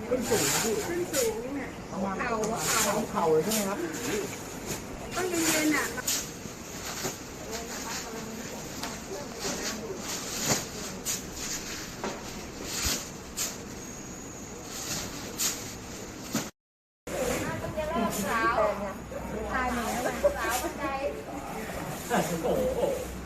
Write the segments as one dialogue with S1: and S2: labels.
S1: ขึ้นสูงพี่
S2: ขึ้นสูงเนี่ยเข่า
S1: เลยใช่ไหมครับ
S2: ต้องเย็นๆอ่ะสาวตายหนึ่งแล้วสาวบันได
S1: โอ้โห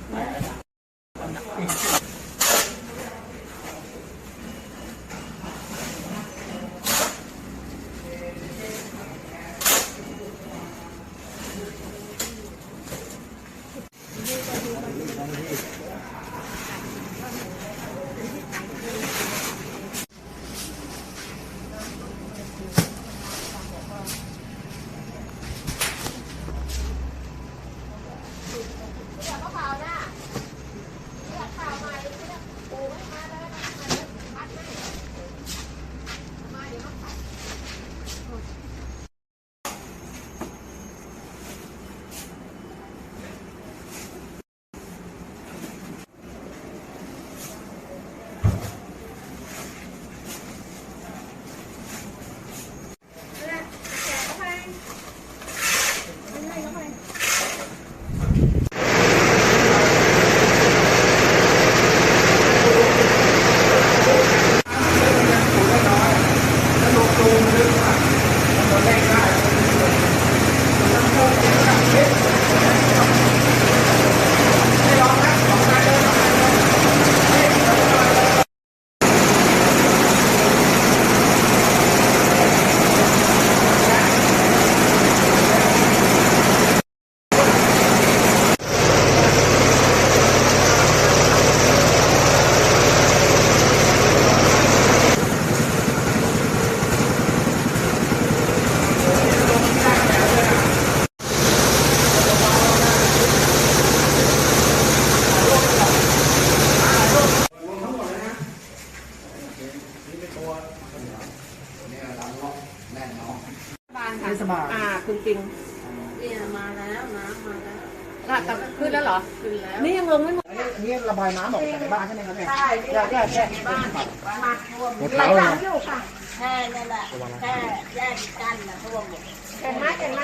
S2: คุณจริง
S3: เนี่ยมาแล้วน้ำมาแล้ว
S2: แต่ขึ้นแล้วเหรอ
S3: ขึ้นแล้ว
S2: นี่ยังลงไม่หมด
S1: อันนี้ระบายน้ำออกจากในบ้านใช่ไหมครับเนี่ย
S2: ใช่แค่บ้านมาท่วมไหลหลังอยู่ค่ะ
S3: แค่นั่นแหละแค่แยกกันนะท่วมหมด
S2: เห็นไหม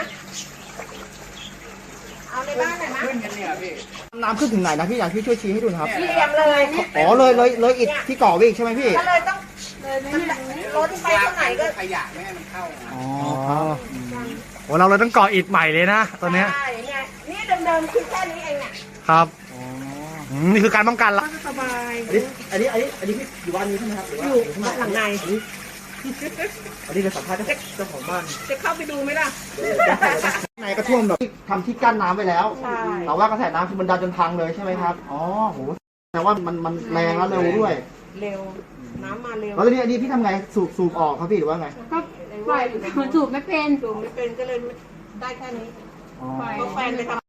S2: เอาในบ้านหน่อยมั้ย
S1: ขึ้นกันเนี่ยพี่น้ำขึ้นถึงไหนนะพี่อยากพี่ช่วยชี้ให้ดูนะครับ
S2: เยี่ยมเลย
S1: อ๋อเลยอิฐที่ก่อวิ่งใช่ไหมพี่
S2: ก็เลยต้องรถไปตรงไหนก็
S1: ขยะไม่ให้มันเข้าอ๋อโอ้เราเลยต้องก่ออิฐใหม่เลยนะตอนนี้
S2: ใช่เนี่ยนี่เดิมๆคือแค่นี้เองเนี่ย
S1: ครับนี่คือการป้องกันละ
S2: สบาย
S1: อันนี้พี่อยู่บ้านนี้ใช่ไหมครับ
S2: อยู่หลังใน
S1: อันนี้เราสัมภาษณ์เจ้าของบ้าน
S2: จะเข้าไปดูไหมล่ะ
S1: ในกระท่วมแบบทำที่กั้นน้ำไปแล้วแต่ว่ากระแสน้ำคือมันดันจนพังเลยใช่ไหมครับอ๋อโหแต่ว่ามันแรงแล้วเร็วด้วย
S2: เร็วน้ำมาเร็ว
S1: แล้วอันนี้พี่ทำไงสูบออกครับพี่หรือว่าไง
S3: ก็ปล่อยมันสูบไม่เป็น
S2: ก็เลยได้แค่นี้เพราะแฟนไปทำ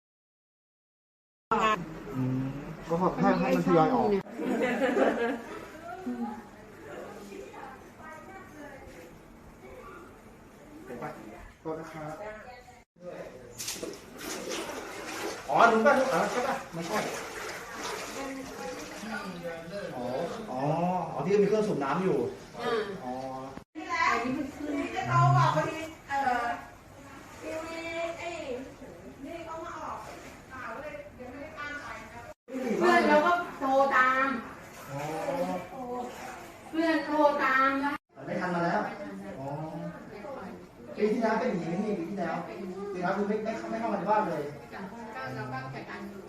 S2: งาน
S1: ก็ให้มันทยอยออกก็นะครับอ๋อหนูป่ะใช่ป่ะไม่ใช่อ๋อที่มีเครื่องสูบน้ำอยู่อ๋อ
S2: นี่แหละนี่จะโตบอกพอดีทีวีนี่เขามาออกข่าวเลยยังไม่ได้ตั้งใจครับ
S3: เพื่อนเราก็โทรตามเพื่อนโทรตามแล้ว
S1: ไม่ทันมาแล้วอ๋อปีที่แล้วเป็นอย่างนี้ปีที่แล้วคือไม่เข้ามาในบ้านเลย
S3: เราก็จัดการอยู่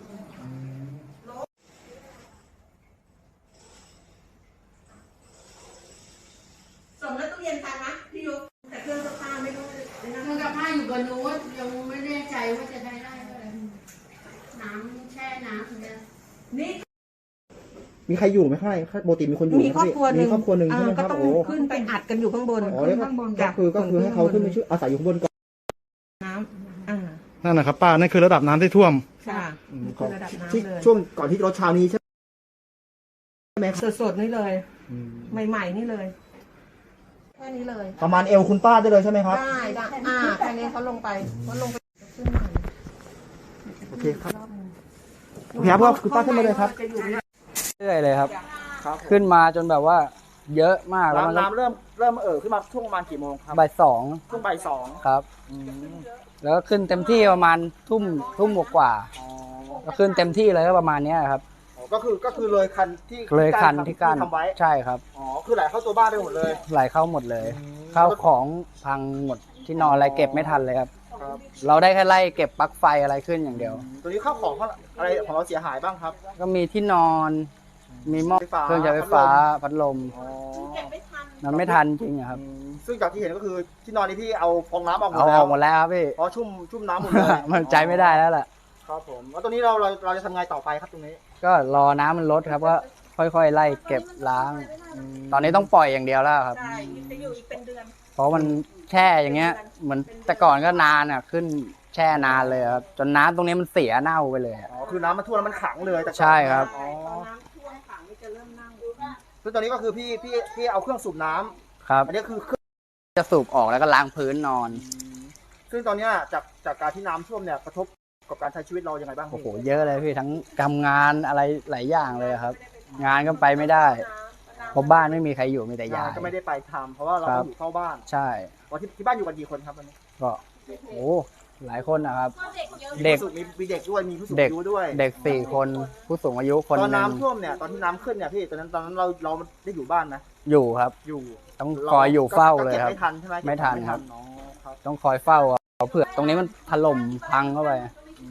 S2: ส่งแล้วตู้เย็นทันนะพี่ยุแต่เครื่องซักผ้าไม่รู้
S3: เครื่องซักผ้าอยู่บนนู้นยังไม่แน่ใจว่าจะใช้ได้เลยน้ำแช่น้ำเนี่ย
S2: นี่
S1: มีใครอยู่ไหมข้างในปกติมีคนอยู่
S2: มีครอบครัวหนึ่ง
S1: ใช่ไหมครับ
S2: โอ้ขึ้นไปอัดกันอยู่ข้างบน
S1: ก็คือให้เขาขึ้นไปช่วยอาศัยอยู่ข้างบนก่อน
S2: น้ำ
S1: นั่นนะครับป้านั่นคือระดับน้ำที่ท่วม
S2: ค่ะระดับน้ำเลย
S1: ช่วงก่อนที่รถเช้านี้ใช่ไหม
S2: สดๆนี่เลยใหม่ๆนี่เลยแค่นี้เลย
S1: ประมาณเอวคุณป้าได้เลยใช่ไหมครับ
S2: ได้แค่นี้เขาลงไปขึ้นมา
S1: โอเคครับโอเคครับคุณป้าขึ้นมาเลยครับ
S4: เรื่อยเลยครับขึ้นมาจนแบบว่าเยอะมากแล้วมันก็
S1: น้ำเริ่มขึ้นมาช่วงประมาณกี่โมงครับ
S4: บ่ายสอง
S1: ช่วงบ่ายสอง
S4: ครับ
S1: อืม
S4: แล้วก็ขึ้นเต็มที่ประมาณทุ่มกว่า
S1: อ๋อ
S4: ก็ขึ้นเต็มที่เลยก็ประมาณเนี้ยครับ
S1: ก็คือเลยคันที่
S4: เลยคันที่กั้น
S1: ทำไว้
S4: ใช่ครับ
S1: อ๋อคือไหลเข้าตัวบ้านได้หมดเลย
S4: ไหลเข้าหมดเลย
S1: อืม
S4: ข้าวของพังหมดที่นอนอะไรเก็บไม่ทันเลยครับ
S1: ครับ
S4: เราได้แค่ไล่เก็บปลั๊กไฟอะไรขึ้นอย่างเดียว
S1: ตัวนี้ข้าวของอะไรของเราเสียหายบ้างครับ
S4: ก็มีที่นอน มีหม้อ
S1: ไฟฟ้า
S4: เครื่องใช้ไฟฟ้าพัดลม
S1: อ๋อ
S4: มันไม่ทันจริงอะครับ
S1: ซึ่งจากที่เห็นก็คือที่นอนนี้พี่เอาฟองน้ำออกหม
S4: เอา
S1: ด
S4: อ
S1: แล้
S4: อ
S1: ว
S4: กหมดแล้วครับพี่
S1: เพราะชุ่มน้ำหมดเลย
S4: มันใจไม่ได้แล้วแหละ
S1: ครับผมแล้วตรงนี้เราจะทำไงต่อไปครับตรงนี้
S4: ก็รอน้ำมันลดครับก็ค่อยๆไล่เก็บล้าง ตอนนี้ต้องปล่อยอย่างเดียวแล้วครับ
S2: ใช่จะอยู่อีกเป็นเดือน
S4: เพราะมันแช่อย่างเงี้ย เหมือนแต่ก่อนก็นานอ่ะขึ้นแช่นานเลยครับจนน้ำตรงนี้มันเสียเน่าไปเลยอะ
S1: อ๋อคือน้ำมันท่วมแล้วมันขังเลยแต่ก่อน
S4: ใช่ครับ
S1: อ๋อ
S2: น้ำท่วมขังนี่จะเริ่มนั่ง
S1: ซึ่งตอนนี้ก็คือพี่เอาเครื่องสูบน้ำ
S4: ครับ
S1: อันนี้คือเครื่อง
S4: จะสูบออกแล้วก็ล้างพื้นนอน
S1: ซึ่งตอนเนี้ยจากการที่น้ำท่วมเนี่ยกระทบกับการใช้ชีวิตเรายังไงบ้าง
S4: โอ้โห
S1: พี่
S4: เยอะเลยพี่ทั้งทำงานอะไรหลายอย่างเลยครับ งานก็ไปไม่ได้เพราะบ้านไม่มีใครอยู่มีแต่
S1: งาย
S4: าน ย
S1: ก็ไม่ได้ไปทำเพราะว่าเรา
S4: ครั
S1: ต้
S4: บ
S1: องอยู่เฝ้าบ้าน
S4: ใช่
S1: วันที่บ้านอยู่กันกี่คนครับตอนนี้
S4: ก็โอ้หลายคนนะครับ เด็ก
S1: มีเด็กด้วยมีผู้สูง
S4: เด็ก
S1: อายุด้วย
S4: เด็ก4 คนผู้สูงอายุคน
S1: ตอน
S4: หนึ่ง
S1: น้ำท่วมเนี่ยตอนที่น้ำขึ้นเนี่ยพี่ตอนนั้นเราได้อยู่บ้านไหม
S4: อยู่ครับ
S1: อยู่
S4: ต้องคอยอยู่เฝ้าเลย
S1: ก็
S4: ครับ
S1: ไม่ทันใช่ไหม
S4: ไม่ทันครับ
S1: อ๋อครับ
S4: ต้องคอยเฝ้าเอาเผื่อตรงนี้มันถล่มพังเข้าไป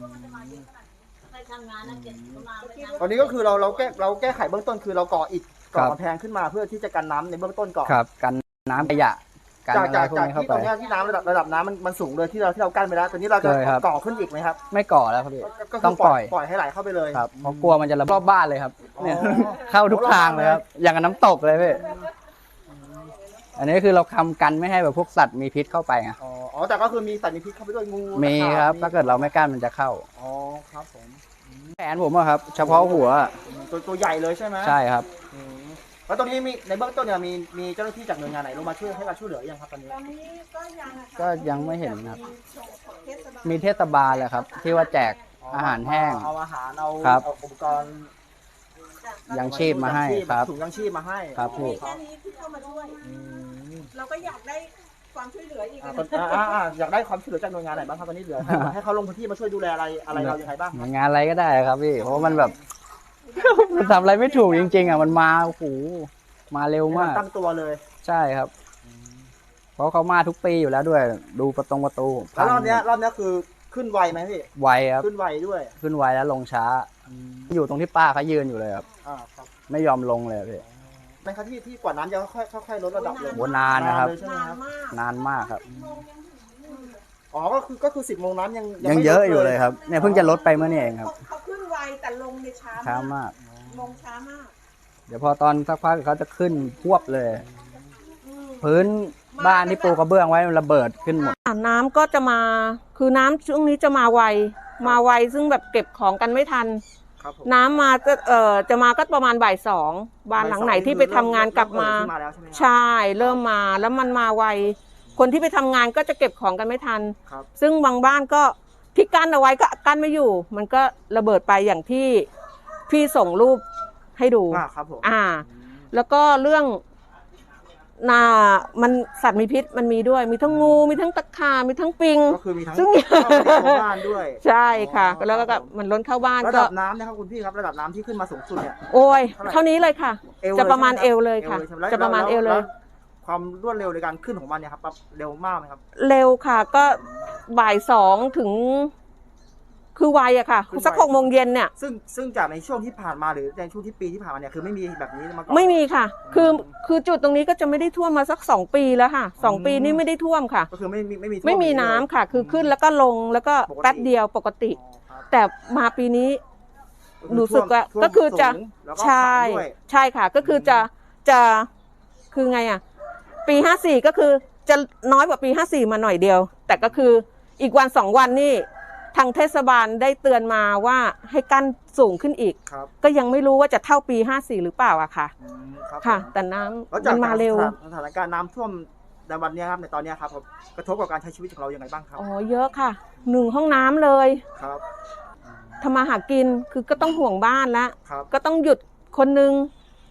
S1: ตอนนี้ก็คือเราแก้ไขเบื้องต้นคือเราก่ออิฐก่อกำแพงขึ้นมาเพื่อที่จะกันน้ำในเบื้องต้นก่อน
S4: ครับกันน้ำขยะกัน
S1: จาก
S4: อะไรพวก
S1: จาก
S4: นี้เข้า
S1: ที่
S4: ไป
S1: ตรงเนี้ยที่น้ำระดับน้ำมันสูงเลยที่เรากั้นไปแล้วตอนนี้เราจะ
S4: เคยครับ
S1: ก่อขึ้นอีกไหมครับ
S4: ไม่ก่อแล้วครับพี่
S1: ก็คื
S4: ต้องปล่อย
S1: ปล่อยให้ไหลเข้าไปเลย
S4: ครับเพราะกลัวมันจะระเบิดรอบบ้านเลยครับเนี่ย
S1: อ๋อ
S4: เข้าทุกทางเลยครับอย่างกับน้ำตกเลยพี่อันนี้คือเราทำกันไม่ให้แบบพวกสัตว์มีพิษเข้าไปไง
S1: อ๋อแต่ก็คือมีสัตว์มีพิษเข้าไปด้วยงู
S4: มี
S1: ตะขา
S4: ครับ
S1: มี
S4: ถ้าเกิดเราไม่กั้นมันจะเข้า
S1: อ๋อครับผม
S4: แขนผมอะครับ เฉพาะหัว
S1: ตัวใหญ่เลยใช่ไหม
S4: ใช่ครับ
S1: อืมแล้วตรงนี้มีในเบื้องต้นเนี่ยมีเจ้าหน้าที่จากหน่วยงานไหนลงมาช่วยให้การช่วยเหลือยังครับตอนนี้
S2: ตอนนี้ก็ยังอะค่ะ
S4: ก็ยังไม่เห็นครับ
S2: เทศบาล
S4: มีเทศบาลแหละครับ ที่ว่าแจกอาหารแห้ง
S1: เอาอาหารเอา
S4: ครับ
S1: เอาอุปกรณ์
S4: ยังชีพมาให้ครับ
S1: ถุงยังชีพมาให้
S4: ครับพี่
S2: แค่นี้ที่เข้ามาช่วย
S1: อืม
S2: เราก็อยากได้ความช่วยเหลืออีก
S1: อยากได้ความช่วยเหลือจากหน่วยงานไหนบ้างครับตอนนี้เหลือให้เขาลงพื้นที่มาช่วยดูแลอะไรเรายังไงบ้าง
S4: หน่วยงานอะไรก็ได้ครับพี่ เพราะว่ามันแบบ มันทำอะไรไม่ถูกจริงๆอ่ะมันมาโอ้โหมาเร็วมาก
S1: ตั้งตัวเลย
S4: ใช่ครับ เพราะเขามาทุกปีอยู่แล้วด้วย ดูประตู
S1: แล้วรอบเนี้ยคือขึ้นไวไหมพี่
S4: ไวครับ
S1: ขึ้นไวด้วย
S4: ขึ้นไวแล้วลงช้า อยู่ตรงที่ป้าเขายืนอยู่เลยครับ
S1: ครับ
S4: ไม่ยอมลงเลยพี่
S1: เป็นครับที่กว่าน้ำจะค่อยลดระดับลง
S4: โหนานนะครับ
S1: เลยใช่ไหม
S2: นาน
S1: ครับ
S2: มาก
S4: นานมากครับ
S1: อ๋อก็คือ10 โมงน้ำยัง
S4: ยัง
S1: ไม่
S4: เยอะ
S1: ลด
S4: อยู่เลยครับ เนี่ยเพิ่งจะลดไปเมื่อนี่เองครับ
S2: เขาขึ้นไวแต่ลงในช้า
S4: ช้ามาก
S2: ลงช้ามาก
S4: เดี๋ยวพอตอนสักพักเขาจะขึ้นพวบเลย พื้นบ้านที่ปูกระเบื้องไว้มันระเบิดขึ้นหมด
S2: น้ำก็จะมาคือน้ำช่วงนี้จะมาไวซึ่งแบบเก็บของกันไม่ทัน
S1: ครับผม
S2: น้ำมาจะมาก็ประมาณบ่ายสองบ้านหลังไหนที่ไปทำงานกลับมา
S1: เริ่ขึ้นแล้วใช่ไหมครับ
S2: ใช่เริ่มมาแล้วมันมาไวคนที่ไปทำงานก็จะเก็บของกันไม่ทัน
S1: ครับ
S2: ซึ่งบางบ้านก็ที่กั้นเอาไว้ก็กั้นไม่อยู่ มันก็ระเบิดไปอย่างที่พี่ส่งรูปให้ดู
S1: ครับผม
S2: แล้วก็เรื่องมันสัตว์มีพิษมันมีด้วยมีทั้งงูมีทั้งตะขาบมีทั้งปิง
S1: ก็คือมีทั้ง
S2: ซึ่ง
S1: เข้าไปในตัวบ้านด้วย
S2: ใช่ค่ะ
S1: อ๋อ
S2: แล้วก็
S1: ครับผม
S2: มันล้นเข้าบ้าน
S1: ระ
S2: ก็
S1: ดับน้ำนะครับคุณพี่ครับระดับน้ำที่ขึ้นมาสูงสุดเนี่ย
S2: โอ้ย
S1: เท่าไหร่
S2: เท่านี้เลยค่ะ
S1: เอว
S2: จะประมาณ
S1: ใช่
S2: เอ
S1: ไห
S2: วเลยค่ะ
S1: ใช่ไห
S2: จะประมาณเอวเลย
S1: แความรวดเร็วในการขึ้นของมันเนี่ยครับเร็วมากไหมครับ
S2: เร็วค่ะก็บ่ายสองถึงคือไวอะค่ะ
S1: คือไว
S2: สัก6 โมงเย็นเนี่ย
S1: ซึ่งจากในช่วงที่ผ่านมาหรือในช่วงที่ปีที่ผ่านมาเนี่ยคือไม่มีแบบนี้มาก่อน
S2: ไม่มีค่ะ คือจุดตรงนี้ก็จะไม่ได้ท่วมมาสัก2 ปีแล้วค่ะ2 ปีนี่ไม่ได้ท่วมค่ะ
S1: ก็คือไม่มีท่ว
S2: ไม่มี
S1: เลย
S2: น้ำค่ะ คือขึ้นแล้วก็ลงแล้วก็
S1: ปกติ
S2: แป๊บเดียวปกติ
S1: อ๋อครับ
S2: แต่มาปีนี้ รู้สึกว่า
S1: ท่วม
S2: ก็คือจะ
S1: สูงแล้วก็
S2: ใช่
S1: ขังด้วย
S2: ใช่ค่ะ ก็คือจะคือไงอ่ะปี54ก็คือจะน้อยกว่าปี54มาหน่อยเดียว แต่ก็คืออีกวัน2 วันนี่ทางเทศบาลได้เตือนมาว่าให้กั้นสูงขึ้นอีก
S1: ครับ
S2: ก็ยังไม่รู้ว่าจะเท่าปี54หรือเปล่าอะค่ะ
S1: ครับ
S2: ค่ะ
S1: ผม
S2: แต่น้
S1: แล้ว
S2: ำ
S1: จา
S2: มั
S1: ก
S2: นมาเร็ว
S1: สถานการณ์น้ำท่วมในวันเนี้ยครับในตอนเนี้ยครับกระทบกับการใช้ชีวิตของเรายังไงบ้างครับ
S2: อ๋อเยอะค่ะ1 ห้องน้ำเลย
S1: ครับ
S2: ทำมาหากินคือก็ต้องห่วงบ้านละ
S1: ครับ
S2: ก็ต้องหยุดคนนึง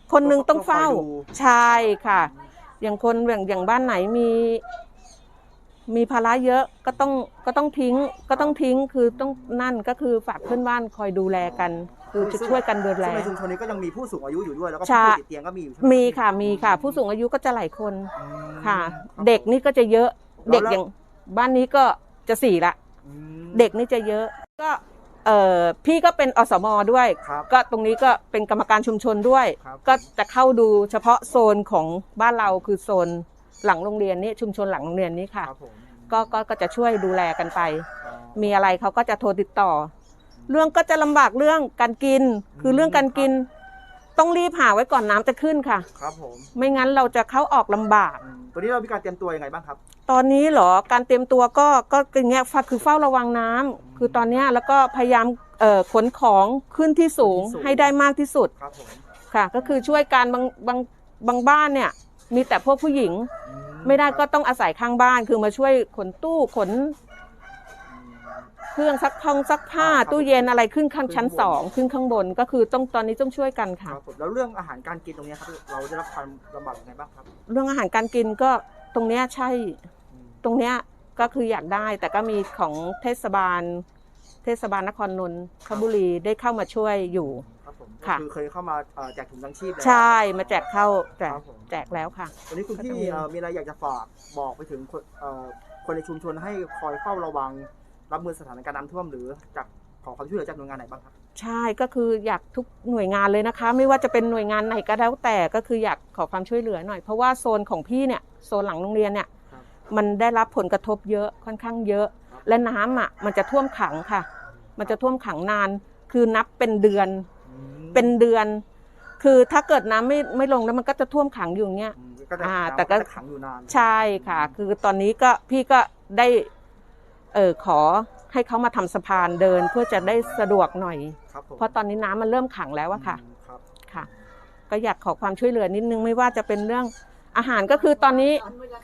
S2: คนหนึงต้องเฝ้า
S1: คอยดู
S2: ใช่ค่ะ อย่างคนอย่างบ้านไหนมีภาระเยอะก็ต้องทิ้งคือต้องนั่นก็คือฝากเพื่อนบ้านคอยดูแลกัน คือจะช่วยกันดูแล
S1: ซึ่งในชุมชนนี้ก็ยังมีผู้สูงอายุอยู่ด้วยแล้วก็
S2: ใช่
S1: ผู้ป่วยติดเตียงก็มีอยู่ใช่ไหม
S2: มีค่ะ ผู้สูงอายุก็จะหลายคน
S1: อืม
S2: ค่ะ
S1: ครับ
S2: เด็กนี่ก็จะเยอะ
S1: แล้ว
S2: เด็กอย่างบ้านนี้ก็จะ4ละ
S1: อืม
S2: เด็กนี่จะเยอะก็พี่ก็เป็นอสมด้วย
S1: ครับ
S2: ก็ตรงนี้ก็เป็นกรรมการชุมชนด้วย
S1: ครับ
S2: ก็จะเข้าดูเฉพาะโซนของบ้านเราคือโซนหลังโรงเรียนนี่ชุมชนหลังโรงเรียนนี้ค่ะ
S1: ครับผม
S2: ก็จะช่วยดูแลกันไป
S1: อ๋อ
S2: มีอะไรเขาก็จะโทรติดต่อ เรื่องก็จะลำบากเรื่องการกิน คือเรื่องการกิน ต้องรีบหาไว้ก่อนน้ำจะขึ้นค่ะ
S1: ครับผม
S2: ไม่งั้นเราจะเข้าออกลำบาก
S1: ตัวนี้เรามีการเตรียมตัวยังไงบ้างครับ
S2: ตอนนี้เหรอการเตรียมตัวก็อย่างเงี้ยคือเฝ้าระวังน้ำคือตอนเนี้ยแล้วก็พยายามขนของขึ้นที่สูง
S1: ขึ้นที่สูง
S2: ให้ได้มากที่สุด
S1: ครับผม
S2: ค่ะ ก็คือช่วยการบางบ้านเนี่ยมีแต่พวกผู้หญิง ไม่ได้ก็ต้องอาศัยข้างบ้านคือมาช่วยขนตู้ขนเครื่องซักผ้าตู้เย็นอะไรขึ้นข้างชั้น2ขึ้นข้างบนก็คือตอนนี้ต้องช่วยกัน
S1: ค
S2: ค่ะ
S1: รับผมแล้วเรื่องอาหารการกินตรงนี้ครับเราได้รับความลำบากยังไงบ้างครับ
S2: เรื่องอาหารการกินก็ตรงเนี้ยใช่
S1: อืม
S2: ตรงเนี้ยก็คืออยากได้แต่ก็มีของเทศบาลนครนนทบุรีได้เข้ามาช่วยอยู่
S1: ครับผม
S2: ค่ะ
S1: คือเคยเข้ามาแจกถุงยังชีพแล้ว
S2: ใช่มาแจก
S1: ครับผม
S2: แจกแล้วค่ะ
S1: วันนี้คุณพี่มีอะไรอยากจะฝากบอกไปถึงคนในชุมชนให้คอยเฝ้าระวังรับมือสถานการณ์น้ำท่วมหรือจากขอความช่วยเหลือจากหน่วยงานไหนบ้างครับ
S2: ใช่ก็คืออยากทุกหน่วยงานเลยนะคะ ไม่ว่าจะเป็นหน่วยงานไหนก็แล้วแต่ก็คืออยากขอความช่วยเหลือหน่อยเพราะว่าโซนของพี่เนี่ยโซนหลังโรงเรียนเนี่ย
S1: ครับ
S2: มันได้รับผลกระทบเยอะค่อนข้างเยอะ
S1: ครับ
S2: และน้ำอ่ะมันจะท่วมขังค่ะ มันจะท่วมขังนาน คือนับเป็นเดือน
S1: อืม
S2: เป็นเดือน คือถ้าเกิดน้ำไม่ลงแล้วมันก็จะท่วมขังอยู่อย่างเงี้ย
S1: อืมก็จะ
S2: แต่ก็
S1: ขังอยู่นาน
S2: ใช่ค่ะ คือตอนนี้ก็พี่ก็ได้ขอให้เขามาทำสะพานเดินเพื่อจะได้สะดวกหน่อย
S1: ครับผม
S2: เพราะตอนนี้น้ำมันเริ่มขังแล้วอะค่ะ
S1: อืมครับ
S2: ค่ะ ก็อยากขอความช่วยเหลือนิดนึงไม่ว่าจะเป็นเรื่องอาหารก็คือตอนนี้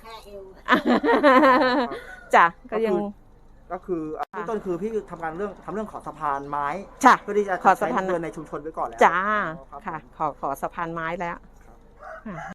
S2: จ้ะก็ยัง
S1: ก็คือเบื้องต้นคือพี่ทำเรื่องขอสะพานไม้
S2: จ้ะ
S1: เพื่อที่จะ
S2: ขอสะพาน
S1: ใช้เดินในชุมชนไว้ก่อนแล้ว
S2: จ้า
S1: อ๋อรับ
S2: ค่ะ
S1: ผม
S2: ขอสะพานไม้แล้ว
S1: ครับ
S2: ค่ะ